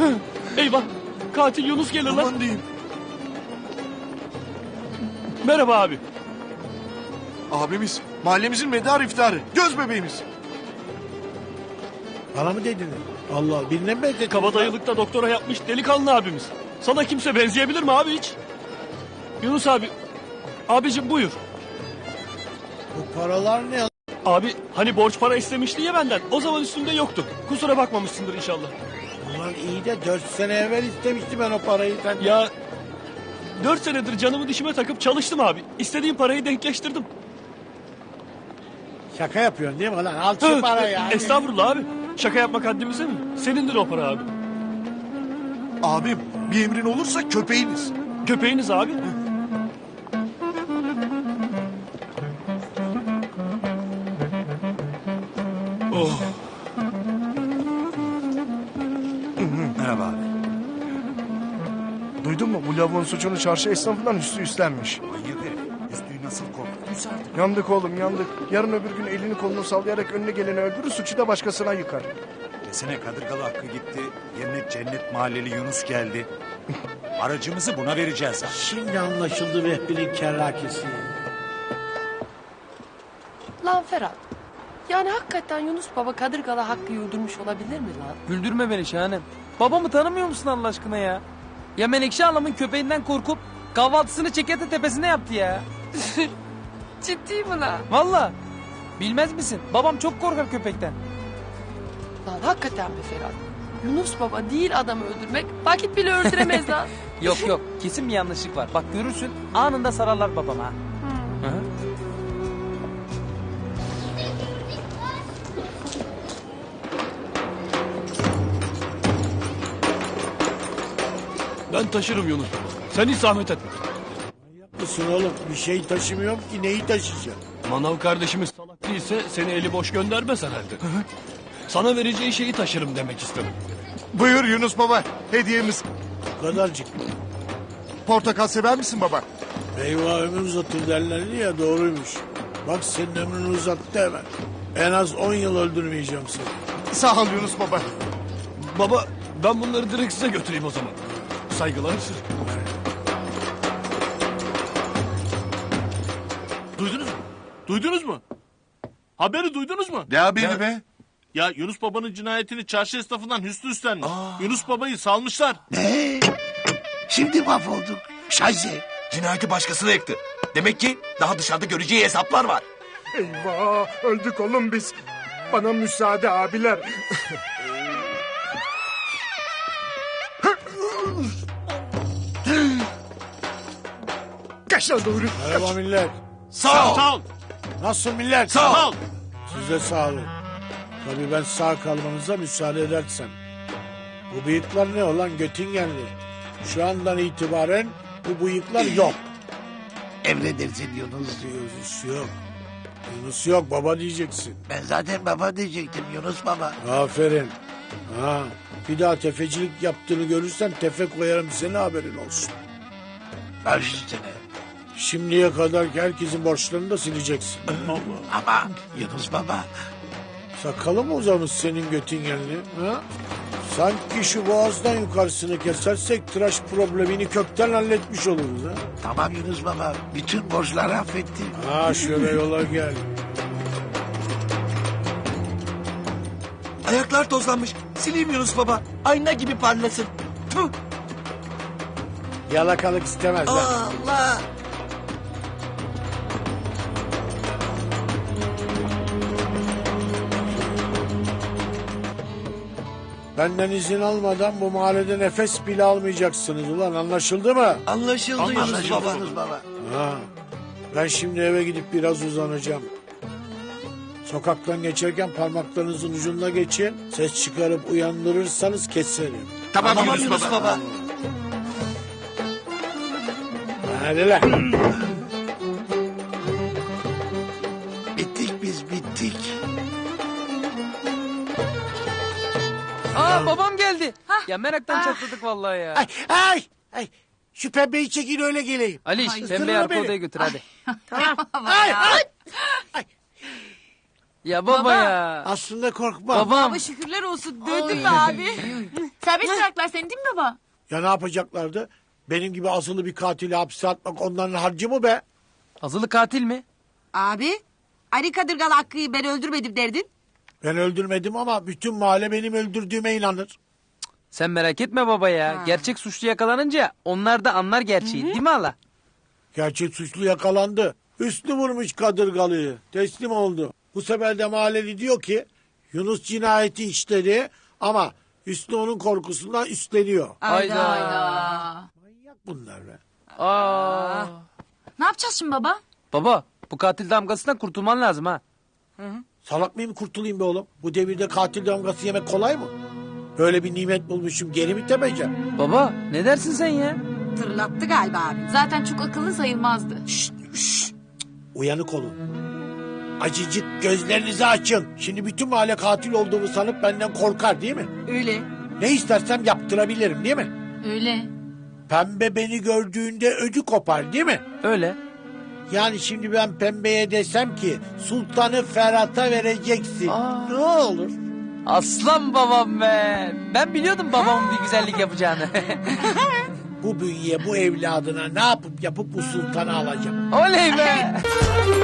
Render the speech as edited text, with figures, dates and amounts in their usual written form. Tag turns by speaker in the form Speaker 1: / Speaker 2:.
Speaker 1: Eyvah. Katil Yunus gelir lan.
Speaker 2: Aman diyeyim.
Speaker 1: Merhaba abi.
Speaker 2: Abimiz mahallemizin medar iftarı. Göz bebeğimiz.
Speaker 3: Bana mı dedin? Allah Allah, birine mi dedin?
Speaker 1: Kabadayılıkta doktora yapmış delikanlı abimiz. Sana kimse benzeyebilir mi abi hiç? Yunus abi. Abicim buyur.
Speaker 3: Bu paralar ne?
Speaker 1: Abi hani borç para istemişti ya benden. O zaman üstünde yoktu. Kusura bakmamışsındır inşallah.
Speaker 3: Ulan iyi de 4 sene evvel istemiştim ben o parayı senden.
Speaker 1: Ya 4 senedir canımı dişime takıp çalıştım abi. İstediğim parayı denkleştirdim.
Speaker 3: Şaka yapıyorsun değil mi lan? Al şu parayı ya.
Speaker 1: Estağfurullah abi. Şaka yapmak haddimize mi? Senindir o para abi.
Speaker 2: Abim bir emrin olursa köpeğiniz.
Speaker 1: Köpeğiniz abi. Oh.
Speaker 4: Merhaba abi.
Speaker 2: Duydun mu? Bu lavuğun suçunu çarşı esnafından Hüsnü üstlenmiş.
Speaker 4: Manyak herif. Üstüyü nasıl korkuttuysa artık.
Speaker 2: Yandık oğlum yandık. Yarın öbür gün elini kolunu sallayarak önüne geleni öldürür, suçu da başkasına yıkar.
Speaker 4: Desene Kadırgalı Hakkı gitti. Yerine Cennet Mahalleli Yunus geldi. Aracımızı buna vereceğiz abi.
Speaker 3: Şimdi anlaşıldı Vehbi'nin kerrakesi.
Speaker 5: Lan Ferhat. Yani hakikaten Yunus Baba Kadırgalı Hakkı'yı öldürmüş olabilir mi lan?
Speaker 6: Güldürme beni Şahanem. Babamı tanımıyor musun Allah aşkına ya? Ya Menekşe Hanım'ın köpeğinden korkup kahvaltısını Çekete tepesinde yaptı ya.
Speaker 5: Ciddi mi lan?
Speaker 6: Valla. Bilmez misin? Babam çok korkar köpekten.
Speaker 5: Lan hakikaten be Ferhat. Yunus Baba değil adamı öldürmek vakit bile öldüremez lan.
Speaker 6: Yok yok kesin bir yanlışlık var. Bak görürsün anında sararlar babama. Hı hı.
Speaker 1: Ben taşırım Yunus. Sen hiç zahmet etme.
Speaker 3: Mısın oğlum? Bir şey taşımıyorum ki neyi taşıyacağım?
Speaker 1: Manav kardeşimiz salak değilse seni eli boş göndermez herhalde. Sana vereceği şeyi taşırım demek istedim.
Speaker 2: Buyur Yunus baba, hediyemiz.
Speaker 3: Bu kadarcık.
Speaker 2: Portakal sever misin baba?
Speaker 3: Eyvah ömür uzatır derlerdi ya, doğruymuş. Bak senin ömrünü uzattı hemen. En az 10 yıl öldürmeyeceğim seni.
Speaker 2: Sağ ol Yunus baba.
Speaker 1: Baba ben bunları direkt size götüreyim o zaman. Saygılar siz.
Speaker 7: Duydunuz mu? Duydunuz mu? Haberi duydunuz mu?
Speaker 2: Ne haberi be?
Speaker 7: Ya Yunus Baba'nın cinayetini çarşı esnafından Hüsnü üstlenmiş. Yunus Baba'yı salmışlar.
Speaker 8: Ne? Şimdi mahvolduk. Şayze.
Speaker 9: Cinayeti başkasına yıktı. Demek ki daha dışarıda göreceği hesaplar var.
Speaker 2: Eyvah, öldük oğlum biz. Bana müsaade abiler. Kaç lan doğru.
Speaker 3: Merhaba millet.
Speaker 9: Sağ ol.
Speaker 7: Sağ ol.
Speaker 3: Nasıl millet?
Speaker 9: Sağ ol.
Speaker 3: Size sağ olun. Tabii ben sağ kalmanıza müsaade edersem. Bu bıyıklar ne olan Göttingenli? Şu andan itibaren bu bıyıklar yok.
Speaker 8: Emredersin Yunus.
Speaker 3: Yunus yok. Yunus yok, baba diyeceksin.
Speaker 8: Ben zaten baba diyecektim Yunus baba.
Speaker 3: Aferin. Ha, bir daha tefecilik yaptığını görürsem tefe koyarım, senin haberin olsun.
Speaker 8: Baş üstüne.
Speaker 3: Şimdiye kadar herkesin borçlarını da sileceksin.
Speaker 8: Ama Yunus baba.
Speaker 3: Sakalı mı uzamış senin Göttingenli? Ha? Sanki şu boğazdan yukarısını kesersek tıraş problemini kökten halletmiş oluruz. Ha?
Speaker 8: Tamam Yunus baba. Bütün borçları affettim.
Speaker 3: Ha şöyle yola gel.
Speaker 9: Ayaklar tozlanmış. Sileyim Yunus baba. Ayna gibi parlasın. Tüh.
Speaker 3: Yalakalık istemez lan.
Speaker 9: Allah.
Speaker 3: Benden izin almadan bu mahallede nefes bile almayacaksınız ulan, anlaşıldı mı?
Speaker 9: Anlaşıldı Yunus
Speaker 8: Anlaşıldı
Speaker 9: baba.
Speaker 8: Yunus baba.
Speaker 3: Ha. Ben şimdi eve gidip biraz uzanacağım. Sokaktan geçerken parmaklarınızın ucuna geçin. Ses çıkarıp uyandırırsanız keserim.
Speaker 9: Tamam, Yunus baba.
Speaker 3: Hadi lan.
Speaker 8: Bittik biz bittik.
Speaker 6: Aa babam geldi. Ya meraktan çatladık vallahi ya.
Speaker 3: Ay ay ay. Şu pembeyi çekin öyle geleyim.
Speaker 6: Ali,
Speaker 3: Ay,
Speaker 6: pembeyi
Speaker 3: ısırma
Speaker 6: arka
Speaker 3: beni.
Speaker 6: odaya götür hadi.
Speaker 3: Ay ay. Ay.
Speaker 6: Ya baba, ya.
Speaker 3: Aslında korkmam.
Speaker 6: Babam.
Speaker 10: Şükürler olsun. Döndün mü abi? Serbest bıraklar seni değil mi baba?
Speaker 3: Ya ne yapacaklardı? Benim gibi asılı bir katili hapse atmak onların harcı mı be?
Speaker 6: Azılı katil mi?
Speaker 10: Abi, Ali Kadırgalı Hakkı'yı ben öldürmedim derdin.
Speaker 3: Ben öldürmedim ama bütün mahalle benim öldürdüğüme inanır.
Speaker 6: Sen merak etme baba ya. Gerçek suçlu yakalanınca onlar da anlar gerçeği değil mi hala?
Speaker 3: Gerçek suçlu yakalandı. Üstü vurmuş kadırgalıyı. Teslim oldu. Bu sefer de mahalleli diyor ki Yunus cinayeti işledi ama Hüsnü onun korkusundan üstleniyor.
Speaker 6: Hayda.
Speaker 3: Manyak bunlar be.
Speaker 6: Aa.
Speaker 10: Ne yapacağız şimdi baba?
Speaker 6: Baba bu katil damgasından kurtulman lazım ha.
Speaker 3: Salak mıyım kurtulayım be oğlum? Bu devirde katil damgası yemek kolay mı? Böyle bir nimet bulmuşum geri mi tepeceğim?
Speaker 6: Baba ne dersin sen ya?
Speaker 10: Tırlattı galiba abi.
Speaker 5: Zaten çok akıllı sayılmazdı.
Speaker 3: Uyanık olun. Acıcık gözlerinizi açın. Şimdi bütün mahalle katil olduğumu sanıp benden korkar değil mi?
Speaker 10: Öyle.
Speaker 3: Ne istersem yaptırabilirim değil mi?
Speaker 5: Öyle.
Speaker 3: Pembe beni gördüğünde ödü kopar değil mi?
Speaker 6: Öyle.
Speaker 3: Yani şimdi ben pembeye desem ki sultanı Ferhat'a vereceksin. Ne olur?
Speaker 6: Aslan babam be. Ben biliyordum babamın bir güzellik yapacağını.
Speaker 3: Bu bünye bu evladına ne yapıp bu sultanı alacağım.
Speaker 6: Oley be.